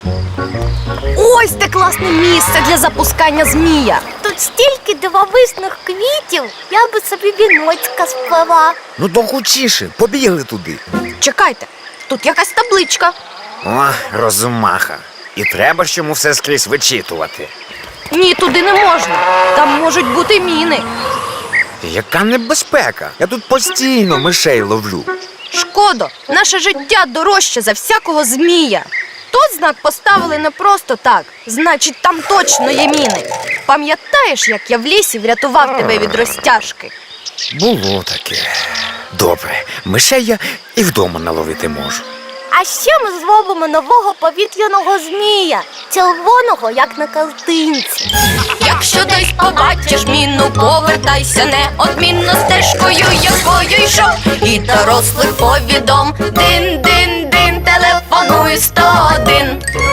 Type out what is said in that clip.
Ось те класне місце для запускання змія. Тут стільки дивовижних квітів, я би собі віночка сплела. Ну то хучіше, побігли туди. Чекайте, тут якась табличка. О, розумаха. І треба ж йому все скрізь вичитувати. Ні, туди не можна. Там можуть бути міни. Яка небезпека? Я тут постійно мишей ловлю. Шкодо, наше життя дорожче за всякого змія. Тут знак поставили не просто так. Значить, там точно є міни. Пам'ятаєш, як я в лісі врятував тебе від розтяжки? Було таке. Добре, мишей я і вдома наловити можу. А ще ми зробимо нового повітряного змія, червоного, як на картинці. Якщо десь побачиш міну, повертайся неодмінно стежкою, якою йшов. І дорослих повідом. Дин-дин-дин, телефонуй 101.